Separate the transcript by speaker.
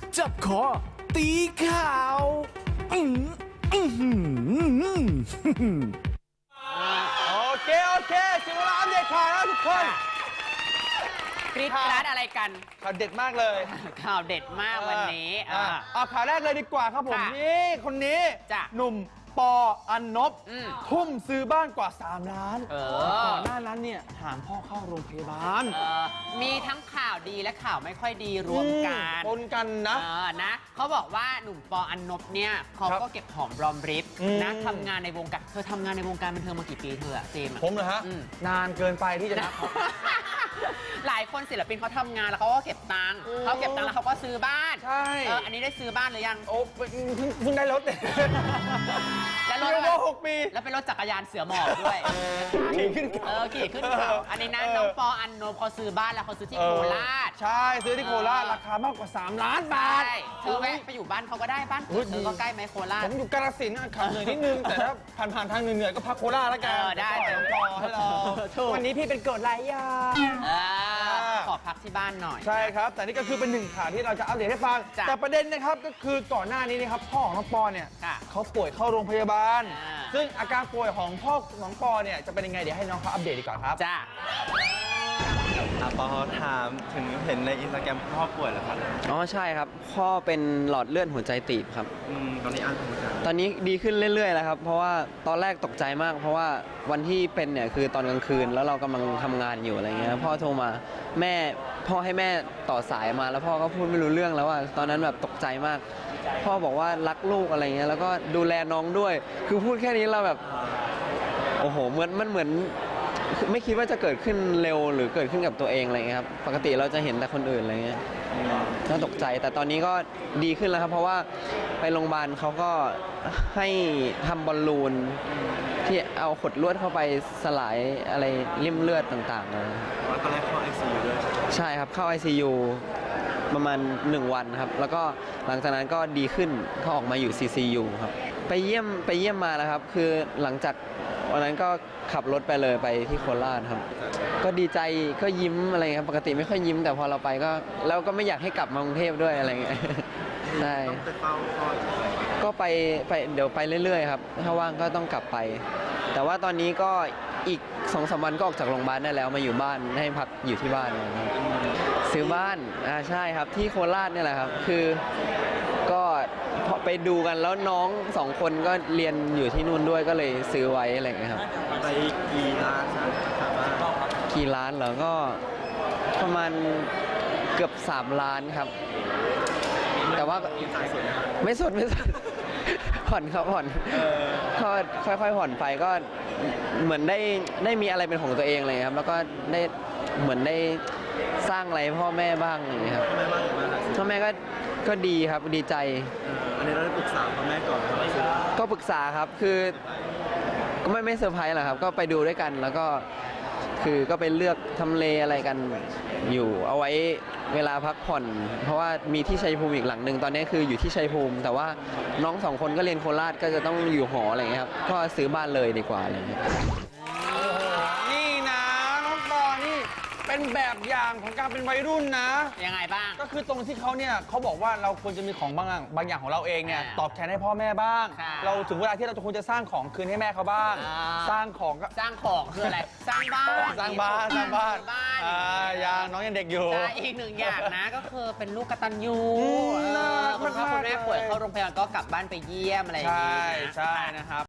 Speaker 1: จับคอตีข่าวอื้ออื้อหือ
Speaker 2: โอเคถึงเวลาอัปเดตข่าวแล้วทุกคน
Speaker 3: กรี๊ดกราดอะไรกัน
Speaker 2: ข่าวเด็ดมากเลย
Speaker 3: ข่าวเด็ดมากวันนี้
Speaker 2: เอาข่าวแรกเลยดีกว่าครับผม
Speaker 3: ค่ะ
Speaker 2: นี่คนนี้
Speaker 3: จ้ะ
Speaker 2: หนุ่มปออันนบ ทุ่มซื้อบ้านกว่า 3 ล้าน ก่อนหน้านั้นเนี่ยหามพ่อเข้าโรงพยาบาล
Speaker 3: มีทั้งข่าวดีและข่าวไม่ค่อยดีรวมกัน
Speaker 2: ปนกันนะ
Speaker 3: นะเขาบอกว่าหนุ่มปออันนบเนี่ยเขาก็เก็บหอมรอมริบนะทำงานในวงการเธอทำงานในวงการบันเทิงมากี่ปีเธออะเจมส์
Speaker 2: ผมเหรอฮะ นานเกินไปที่จะนับเขา
Speaker 3: หลายคนศิลปินเขาทำงานแล้วเขาก็เก็บตังค์เขาเก็บตังค์แล้วเขาก็ซื้อบ้าน
Speaker 2: ใช่
Speaker 3: อันนี้ได้ซื้อบ้านหรือยัง
Speaker 2: โอ้เพิ่งได้รถเนี่ย
Speaker 3: แล้วรถ
Speaker 2: เรียกว่า6 ปี
Speaker 3: แล้วเป็นรถจักรยานเสือหมอบด้วย
Speaker 2: ขี่ขึ้นเขา
Speaker 3: ขี่ขึ้นเขาอันนี้นะน้องปออันโนเขาซื้อบ้านแล้วเขาซื้อที่โคราช
Speaker 2: ใช่ซื้อที่โคราชราคามากกว่า 3 ล้านบาท
Speaker 3: ใช่เธอแวะไปอยู่บ้านเขาก็ได้บ้านเธอก็ใกล้ไหมโคราช
Speaker 2: ผมอยู่กาฬสินธุ์ขับเหนื่อยนิดนึง แต่ถ้าผ่านทางเหนื่อยๆก็พักโคราชแล้วกัน
Speaker 3: ได้
Speaker 2: เดี๋ยวปล่อยน้องปอให้เรา
Speaker 3: ถูก
Speaker 2: วันนี้พี่เป็นเกิดไรยา
Speaker 3: ขอพักที่บ้านหน่อย
Speaker 2: ใช่ครับ แต่นี่ก็คือเป็นหนึ่งข่าวที่เราจะอัปเดตให้ฟัง
Speaker 3: จ้ะ
Speaker 2: แต่ประเด็นนะครับก็คือก่อนหน้านี้นะครับพ่อของน้องปอเนี่ย
Speaker 3: ค่ะ
Speaker 2: เขาป่วยเข้าโรงพยาบาล
Speaker 3: อ่า
Speaker 2: ซึ่งอาการป่วยของพ่อน้องปอเนี่ยจะเป็นยังไงเดี๋ยวให้น้องเขาอัปเดตดีกว่าครับ
Speaker 3: จ้า
Speaker 4: ปอถามถึงเห็นในอินสตาแกรมพ่อป่วยเหรอครับ
Speaker 5: อ๋อใช่ครับพ่อเป็นหลอดเลือดหัวใจตีบครับ
Speaker 4: ตอนนี้อันทำการ
Speaker 5: ตอนนี้ดีขึ้นเรื่อยๆแล้วครับเพราะว่าตอนแรกตกใจมาก เพราะว่าวันที่เป็นเนี่ยคือตอนกลางคืนแล้วเรากำลังทำงานอยู่อะไรเงี้ยพ่อโทรมาพ่อให้แม่ต่อสายมาแล้วพ่อก็พูดไม่รู้เรื่องแล้วว่าตอนนั้นแบบตกใจมาก พ่อบอกว่ารักลูกอะไรเงี้ยแล้วก็ดูแลน้องด้วย คือพูดแค่นี้เราแบบโอ้โหมันเหมือนไม่คิดว่าจะเกิดขึ้นเร็วหรือเกิดขึ้นกับตัวเองอะไรเงี้ยครับปกติเราจะเห็นแต่คนอื่นอะไรเงี้ยน่าตกใจแต่ตอนนี้ก็ดีขึ้นแล้วครับเพราะว่าไปโรงพยาบาลเขาก็ให้ทำบอลลูนที่เอาขดลวดเข้าไปสลายอะไรริ่มเลือดต่างๆนะ
Speaker 4: ตอนแรกเข้า ICU ด้วย
Speaker 5: ใช่ครับเข้า ICU ประมาณ1 วันครับแล้วก็หลังจากนั้นก็ดีขึ้นเขาออกมาอยู่ CCU ครับไปเยี่ยมมาแล้วครับคือหลังจากวันนั้นก็ขับรถไปเลยไปที่โคราชครับก็ดีใจก็ยิ้มอะไรครับปกติไม่ค่อยยิ้มแต่พอเราไปก็แล้วก็ไม่อยากให้กลับมากรุงเทพด้วยอะไรเงี้ยใช่
Speaker 4: ต้องไปเฝ้าพ่อ
Speaker 5: ก็ไปเดี๋ยวไปเรื่อยๆครับถ้าว่างก็ต้องกลับไป แต่ว่าตอนนี้ก็อีก2-3 วันก็ออกจากโรงพยาบาลได้แล้วมาอยู่บ้านให้พักอยู่ที่บ้านนะครับซื้อบ้านใช่ครับที่โคราชเนี่ยแหละครับคือก็พอไปดูกันแล้วน้อง2 คนก็เรียนอยู่ที่นู่นด้วยก็เลยซื้อไว้อะไรอย่างเงี้ยครับ
Speaker 4: ไปกี่ล้านถามว่า
Speaker 5: กี่ล้านเหรอก็ประมาณเกือบ3 ล้านครับแต่ว่า
Speaker 4: จ่ายส่วนไหน
Speaker 5: ไม่สด ผ่อนครับผ่อนก็ค่อยๆผ่อนไปก็เหมือนได้มีอะไรเป็นของตัวเองเลยครับแล้วก็ได้เหมือนได้สร้างอะไรให้พ่อแม่บ้างอย่างเงี้ยครับ
Speaker 4: แม่บ้านอยู่บ้านหลัง
Speaker 5: พ่อแม่ก็ดีครับดีใจ
Speaker 4: อันนี้เราได้ปรึกษาพ่อแม่ก่อนว่าไม่ซื้อ
Speaker 5: ก็ปรึกษาครับคือก็ไม่เซอร์ไพรส์หรอกครับก็ไปดูด้วยกันแล้วก็คือก็ไปเลือกทำเลอะไรกันอยู่เอาไว้เวลาพักผ่อน เพราะว่ามีที่ชัยภูมิอีกหลังหนึ่งตอนนี้คืออยู่ที่ชัยภูมิ แต่ว่าน้อง2 คนก็เรียนโคราชก็จะต้องอยู่หออะไรเงี้ยครับก็ซื้อบ้านเลยดีกว่าอะไรเงี้ย
Speaker 2: นี่นะน้องปอนี่เป็นแบบอย่างของการเป็นวัยรุ่นนะ
Speaker 3: ยังไงบ้าง
Speaker 2: ก็คือตรงที่เขาเนี่ยเขาบอกว่าเราควรจะมีของบางอย่างของเราเองเนี่ยตอบแทนให้พ่อแม่บ้าง
Speaker 3: ค่ะ
Speaker 2: เราถึงเวลาที่เราจะควรจะสร้างของคืนให้แม่เขาบ้าง สร้างของก็
Speaker 3: สร้างของคืออะไร สร้างบ้าน
Speaker 2: สร้างบ้านสร้างบ้าน
Speaker 3: บ้าน
Speaker 2: ยังน้องยังเด็กอยู่
Speaker 3: ใช่อีกหนึ่งอย่างนะก็คือเป็นลูกกตัญญู
Speaker 2: น่ารัก
Speaker 3: คุณพ่อ
Speaker 2: มากๆ
Speaker 3: คุณแม่ป่วยเข้าโรงพยาบาลก็กลับบ้านไปเยี่ยมอะไรอย่าง
Speaker 2: ใช่
Speaker 3: นี้นะ
Speaker 2: ใช่นะครับ